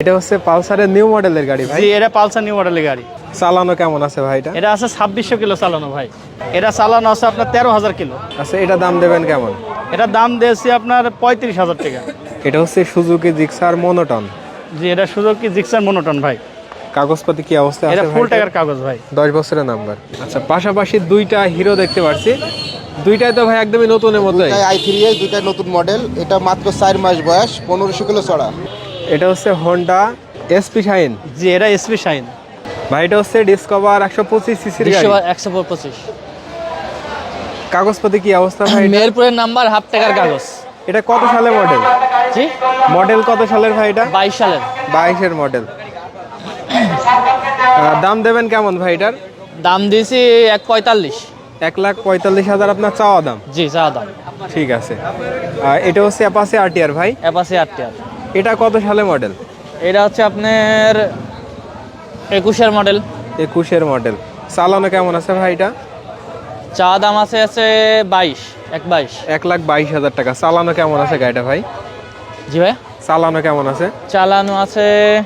এটা হচ্ছে পালসারের নিউ মডেলের গাড়ি ভাই। জি, এটা পালসার নিউ মডেলের গাড়ি। চালানো কেমন আছে ভাই এটা? এটা আছে 2600 কিলো চালানো ভাই। এটা চালানো আছে আপনার 13,000 কিলো। আচ্ছা, এটা দাম দেবেন কেমন? এটা দাম দিয়েছি আপনার 35,000 টাকা। এটা হচ্ছে সুজুকি জিক্সার মনোটন। জি, এটা সুজুকি জিক্সার মনোটন ভাই। কাগজপাতি কি অবস্থা আছে এটা ভাই? ফুল টাকার কাগজ ভাই। 10 বছরের নাম্বার। আচ্ছা, পাশাপাশি দুইটা হিরো দেখতে পাচ্ছি। দুইটাই তো ভাই একদমই নতুনের মতোই। দুইটাই i3 এর দুইটা নতুন মডেল। এটা মাত্র 4 মাস বয়স, 1500 কিলো চড়া। এটা হচ্ছে হোন্ডা এসপি শাইন। জি, এটা এসপি শাইন ভাই। এটা হচ্ছে ডিসকভার 125 সিসির গাড়ি। 125। কাগজপাতি কি অবস্থা ভাই? মেহেরপুরের নাম্বার, হাফ টাকার কাগজ। এটা কত সালের মডেল? জি, মডেল কত সালের ভাই এটা? 22 সালের। 22-এর মডেল। দাম দেবেন কেমন ভাই এটার? দাম দিয়েছি 145। 1,45,000 আপনার চাওয়া দাম? জি, চা দাম। ঠিক আছে। এটা হচ্ছে অ্যাপাচি আরটিআর ভাই। Apache RTR. এটা কত সালে মডেল? এটা হচ্ছে আপনার 21-এর মডেল। 21-এর মডেল। চালানো কেমন আছে ভাই এটা? চা দাম আছে 22। 1,22,000 টাকা। চালানো কেমন আছে গাড়িটা ভাই? জি ভাই, চালানো কেমন আছে? চালানো আছে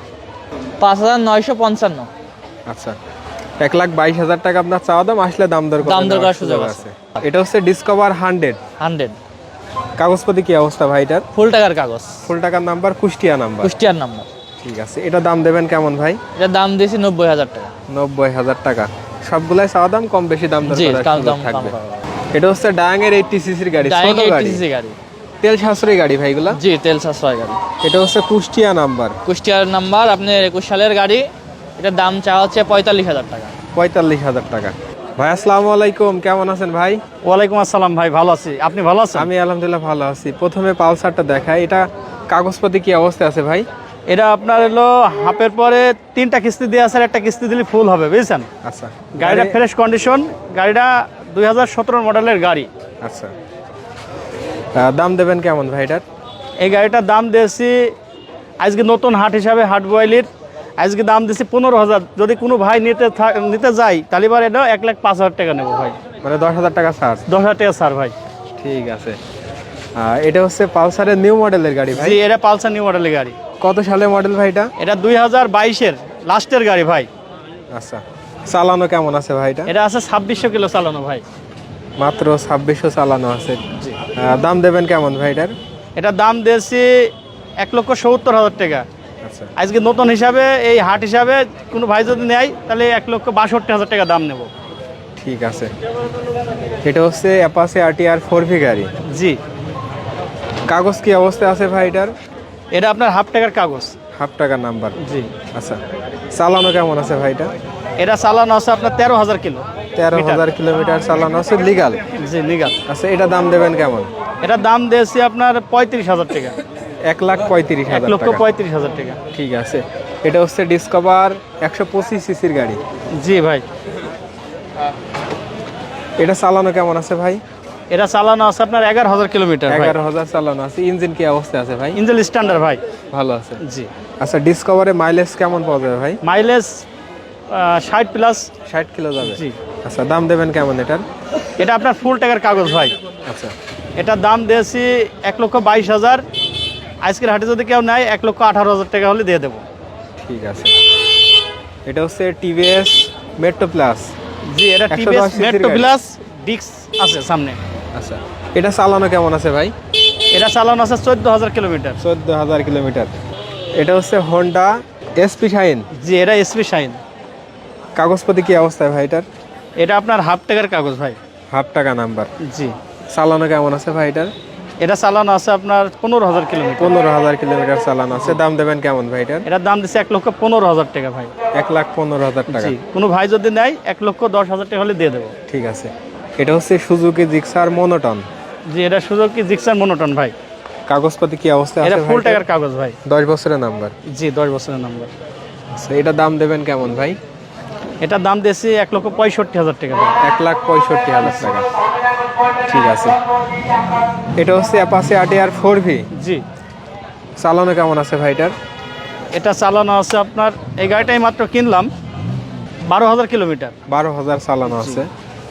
5,955। আচ্ছা, 1,22,000 টাকা আপনার চাওয়া দাম। আসলে দাম দর করার সুযোগ আছে। এটা হচ্ছে ডিসকভার 100। কাগজপাতি কি অবস্থা ভাই এটার? ফুল টাকার কাগজ। ফুল টাকার নাম্বার, কুষ্টিয়া নাম্বার। কুষ্টিয়ার নাম্বার। ঠিক আছে। এটা দাম দেবেন কেমন ভাই? এটা দাম দিয়েছি 90,000 টাকা। 90,000 টাকা। সবগুলাই চাওয়া দাম, কম বেশি দাম দর জি, করার কাল সুযোগ দাম থাকবে। কম এটা হচ্ছে ডায়াঙের 80 সিসির গাড়ি, ছোট গাড়ি। গাড়ি। তেল সাশ্রয়ী গাড়ি ভাইগুলা। জি, তেল সাশ্রয় গাড়ি। এটা হচ্ছে কুষ্টিয়া নাম্বার। কুষ্টিয়ার নাম্বার, আপনার 21 সালের গাড়ি। এটার দাম চাওয়া হচ্ছে 45,000 টাকা। 45,000 টাকা। ভাই আসসালামু আলাইকুম, কেমন আছেন ভাই? ওয়ালাইকুম আসসালাম ভাই, ভালো আছি। আপনি ভালো আছেন? আমি আলহামদুলিল্লাহ ভালো আছি। প্রথমে পালসারটা দেখাই। এটা কাগজপাতি কি অবস্থা আছে ভাই? এটা আপনার হলো হাফের পরে 3টা কিস্তি দিয়ে আছে, আর একটা কিস্তি দিলে ফুল হবে, বুঝছেন? আচ্ছা, গাড়িটা ফ্রেশ কন্ডিশন। গাড়িটা 2017 মডেলের গাড়ি। আচ্ছা, দাম দেবেন কেমন ভাই এটার? এই গাড়িটার দাম দিয়েছি আজকে নতুন হাট হিসাবে, হাট বয়েলির আজকে দাম দিয়েছি 15,000। যদি কোনো ভাই নিতে যায় তাহলে এবার এটা 1,05,000 টাকা নেবো ভাই। মানে 10,000 টাকা ছাড়। 10,000 টাকা স্যার ভাই। ঠিক আছে। এটা হচ্ছে পালসারের নিউ মডেলের গাড়ি ভাই। জি, এটা পালসার নিউ মডেলের গাড়ি। কত সালের মডেল ভাই এটা? এটা 2022-এর লাস্টের গাড়ি ভাই। আচ্ছা, চালানো কেমন আছে ভাই এটা? এটা আছে 2600 কিলো চালানো ভাই। মাত্র 2600 চালানো আছে। জি। দাম দেবেন কেমন ভাই এটার? এটার দাম দিয়েছি 1,70,000 টাকা। আচ্ছা, আজকে নতুন হিসাবে, এই হাট হিসাবে কোনো ভাই যদি নেয় তাহলে 1,62,000 টাকা দাম নেব। ঠিক আছে। এটা হচ্ছে অ্যাপাচি আরটিআর 4V গাড়ি। জি। কাগজ কি অবস্থা আছে ভাই এটার? এটা আপনার হাফ টাকার কাগজ। হাফ টাকার নাম্বার। জি। আচ্ছা, চালানো কেমন আছে ভাই এটা? এটা চালানো আছে আপনার 13,000 কিলো। 13,000 কিলোমিটার চালানো আছে, লিগাল। জি, লিগাল। আচ্ছা, এটা দাম দেবেন কেমন? এটার দাম দিয়েছি আপনার 35,000 টাকা। 1,35,000 টাকা। 1,35,000 টাকা। ঠিক আছে। এটা হচ্ছে ডিসকভার 125 সিসির গাড়ি। জি ভাই। এটা চালানো কেমন আছে ভাই? এটা চালানো আছে আপনার 11,000 কিলোমিটার। 11,000 চালানো আছে। ইঞ্জিন কি অবস্থা আছে ভাই? ইঞ্জিন স্ট্যান্ডার্ড ভাই। ভালো আছে। জি। আচ্ছা, ডিসকভারে মাইলেজ কেমন পাওয়া যাবে ভাই? Mileage 60 plus. 60 কিলো যাবে। জি। আচ্ছা, দাম দেবেন কেমন এটার? এটা আপনার ফুল টাকার কাগজ ভাই। আচ্ছা, এটার দাম দিয়েছি 1,22,000। আজকের হাটে যদি কেউ নেয় 1,18,000 টাকা হলে দিয়ে দেবো। ঠিক আছে। এটা হচ্ছে টিভিএস মেট্রো প্লাস। জি, এটা 110 টিভিএস cc মেট্রো গাড়ি। প্লাস ডিস্ক আছে সামনে। আচ্ছা, এটা চালানো কেমন আছে ভাই? এটা চালানো আছে 14,000 কিলোমিটার। 14,000 কিলোমিটার। এটা হচ্ছে হোন্ডা এসপি শাইন। জি, এটা এসপি শাইন। কাগজপাতি কি অবস্থায় ভাই এটার? এটা আপনার হাফ টাকার কাগজ ভাই। হাফ টাকা নাম্বার। জি। চালানো কেমন আছে ভাই এটার? এটা চালানো আছে আপনার 15,000 কিলোমিটার। 15,000 কিলোমিটার চালানো আছে। দাম দেবেন কেমন ভাই এটার? এটার দাম দিচ্ছে 1,15,000 টাকা ভাই। 1,15,000 টাকা। জি, কোনো ভাই যদি নেয় 1,10,000 টাকা হলে দিয়ে দেবো। ঠিক আছে। এটা হচ্ছে সুজুকি জিক্সার মনোটন। জি, এটা সুজুকি জিক্সার মনোটন ভাই। কাগজপাতি কি অবস্থা আছে এটা ভাই ফুল এটার? টাকার কাগজ ভাই। 10 বছরের নাম্বার। জি, 10 বছরের নাম্বার। আচ্ছা, এটা দাম দেবেন কেমন ভাই? এটার দাম দিয়েছি 1,65,000 টাকা ভাই। 1,65,000 টাকা। ঠিক আছে। এটা হচ্ছে অ্যাপাচি আরটিআর 4V। জি। চালানো কেমন আছে ভাই এটার? এটা চালানো আছে আপনার, এই গাড়িটাই মাত্র কিনলাম, 12,000 কিলোমিটার। 12,000 চালানো আছে।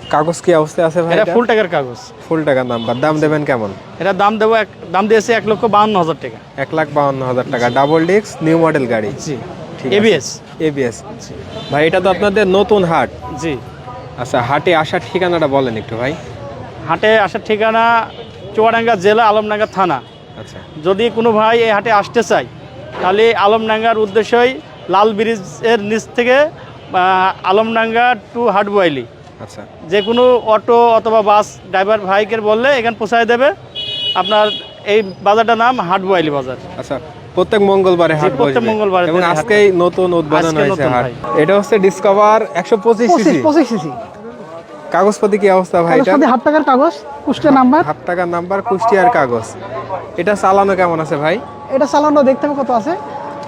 কাগজ কি অবস্থায় আছে ভাই? এটা ফুল টাকার কাগজ। ফুল টাকা নাম্বার। দাম দেবেন কেমন? এটা দাম দিয়েছে 1,52,000 টাকা। 1,52,000 টাকা। ডাবল ডিস্ক নিউ মডেল গাড়ি। জি। ঠিক আছে। এবিএস। এবিএস। ভাই এটা তো আপনাদের নতুন হাট। জি। আচ্ছা, হাটে আসার ঠিকানাটা বলেন একটু ভাই। হাটে আসার ঠিকানা চুয়াডাঙ্গা জেলা, আলমডাঙ্গা থানা। আচ্ছা, যদি কোনো ভাই এই হাটে আসতে চায় তাহলে আলমডাঙ্গার উদ্দেশ্যই লাল ব্রিজের নিচ থেকে আলমডাঙ্গা টু হাটবোয়ালি আচ্ছা, যে কোনো অটো অথবা বাস ড্রাইভার ভাইকে বললে এখানে পৌঁছায় দেবে। আপনার এই বাজারটার নাম হাটবোয়ালি বাজার। আচ্ছা। প্রত্যেক মঙ্গলবারে হাট বসবে। প্রত্যেক মঙ্গলবারে এবং হাট আজকেই নতুন উদ্বোধন আজকে হয়েছে নতুন হাট। ভাই। এটা হচ্ছে ডিসকভার 125 সিসি। 25 সিসি কাগজপাতি কি অবস্থা ভাই এটা? সাথে হাফ টাকার কাগজ, কুষ্টিয়া নাম্বার। হাফ টাকার নাম্বার, কুষ্টিয়ার কাগজ। এটা চালানো কেমন আছে ভাই? এটা চালানো দেখতে হবে কত আছে।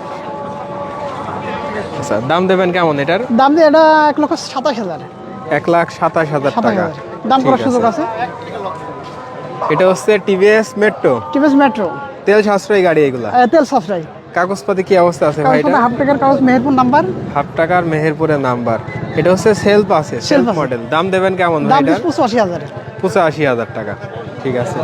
আচ্ছা, দাম দেবেন কেমন এটার? দাম দিয়ে এটা 1,27,000। 1,27,000 টাকা। 27,000 দাম করার ঠিক সুযোগ আছে। আছে। এটা হচ্ছে টিভিএস মেট্রো। টিভিএস মেট্রো, তেল সাশ্রয়ী গাড়ি এগুলা। তেল সাশ্রয়। কাগজপাতি কি অবস্থা আছে ভাই এটা? হাফ টাকার কাগজ, মেহেরপুর নাম্বার। হাফ টাকার মেহেরপুরের নাম্বার। এটা হচ্ছে সেলফ আছে, সেলফ আছে। মডেল। দাম দেবেন কেমন ভাই দাম এটার? 85,000। 85,000 টাকা। ঠিক আছে।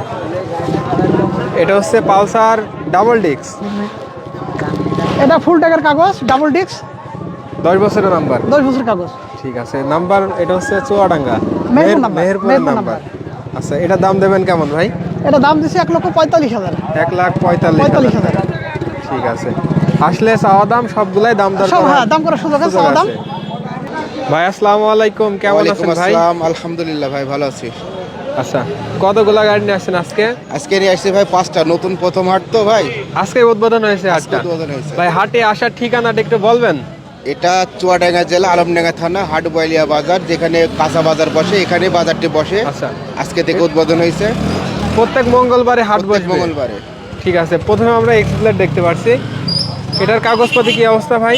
এটা হচ্ছে পালসার ডাবল ডিস্ক। এটা ফুল টাকার কাগজ, ডাবল ডিস্ক, 10 বছরের নাম্বার। 10 বছর কাগজ। ঠিক আছে। নাম্বার এটা হচ্ছে চুয়াডাঙ্গা মেহেরপুর নাম্বার। মেহেরপুরের নাম্বার। আচ্ছা, এটা দাম দেবেন কেমন ভাই? এটা দাম দিচ্ছে 1,45,000। 1,45,000। ঠিক আছে। আসলে চাওয়া দাম সবগুলাই দাম দর সব, করা- হ্যাঁ, দাম করার সুযোগ আছে, সুযোগ চাওয়া দাম। আছে। ভাই আসসালামু আলাইকুম, কেমন ওয়ালাইকুম আছেন ভাই? আসসালাম, আলহামদুলিল্লাহ ভাই, ভালো আছি। আচ্ছা, কতগুলা গাড়ি নিয়ে আসছেন আজকে? আজকে নিয়ে আসছি ভাই 5টা, নতুন প্রথম হাট তো ভাই। আজকে উদ্বোধন হয়েছে আজকে হাটটা। উদ্বোধন হয়েছে। ভাই হাটে আসার ঠিকানাটা একটু বলবেন? এটা চুয়াডাঙ্গা জেলা, আলমডাঙ্গা থানা, হাটবোয়ালিয়া বাজার, যেখানে কাঁচা বাজার বসে, এখানে বাজারটি বসে। আচ্ছা। আজকে থেকে উদ্বোধন হয়েছে, প্রত্যেক মঙ্গলবারে হাট প্রত্যেক বসবে। মঙ্গলবারে। ঠিক আছে। প্রথমে আমরা এক্সপ্লেট দেখতে পাচ্ছি। এটার কাগজপাতি কি অবস্থা ভাই?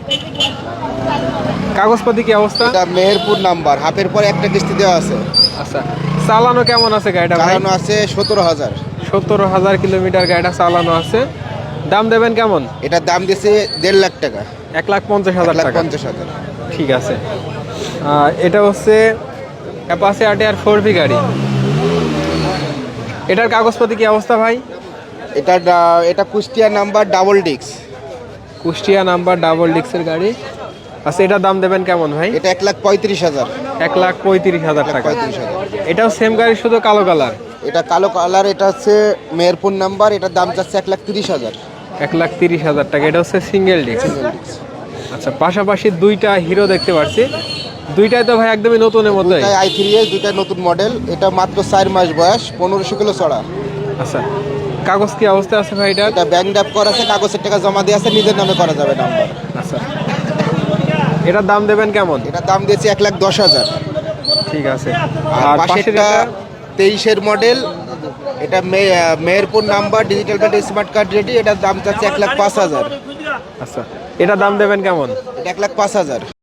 কাগজপাতি কি অবস্থা? এটা মেহেরপুর নাম্বার, হাফের পরে একটা কিস্তি দেওয়া আছে। আচ্ছা, চালানো কেমন আছে গাড়িটা ভাই? চালানো আছে 17,000। 17,000 কিলোমিটার গাড়িটা চালানো আছে। দাম দেবেন কেমন? এটার দাম দিয়েছে 1.5 লাখ টাকা। 1,50,000 টাকা। 1,50,000। ঠিক আছে। এটা হচ্ছে অ্যাপাচি আরটিআর 4V গাড়ি। এটার কাগজপাতি কি অবস্থা ভাই? এটা Kushtia number, double disc. Kushtia number, double ডিস্কের গাড়ি। আচ্ছা, এটার দাম দেবেন কেমন ভাই? এটা 1,35,000। 1,35,000 টাকা। 1,35,000। এটাও সেম গাড়ি, শুধু কালো কালার। এটা কালো কালার, এটা হচ্ছে মেহেরপুর নাম্বার, এটার দাম চাচ্ছে 1,30,000। 1,30,000 টাকা। এটা হচ্ছে সিঙ্গেল ডিস্ক। আচ্ছা, পাশাপাশি দুইটা হিরো দেখতে পাচ্ছি। দুইটাই তো ভাই একদমই নতুনের মধ্যে। দুটাই i3s, দুটাই নতুন মডেল। এটা মাত্র 4 মাস বয়স, 1500 কিলো চড়া। আচ্ছা, কাগজ কি অবস্থা আছে ভাই এটা? এটা ব্যাংক ড্রাফট করা আছে, কাগজের টাকা জমা দিয়ে আছে, নিজের নামে করা যাবে নাম্বার। আচ্ছা, এটার দাম দেবেন কেমন? এটার দাম দিয়েছে 1,10,000। ঠিক আছে। আর পাশেরটা 23-এর মডেল, এটা Meherpur number, digital plate, smart card ready. এটার দাম চাচ্ছে 1,05,000। আচ্ছা, এটার দাম দেবেন কেমন? এটা 1,05,000।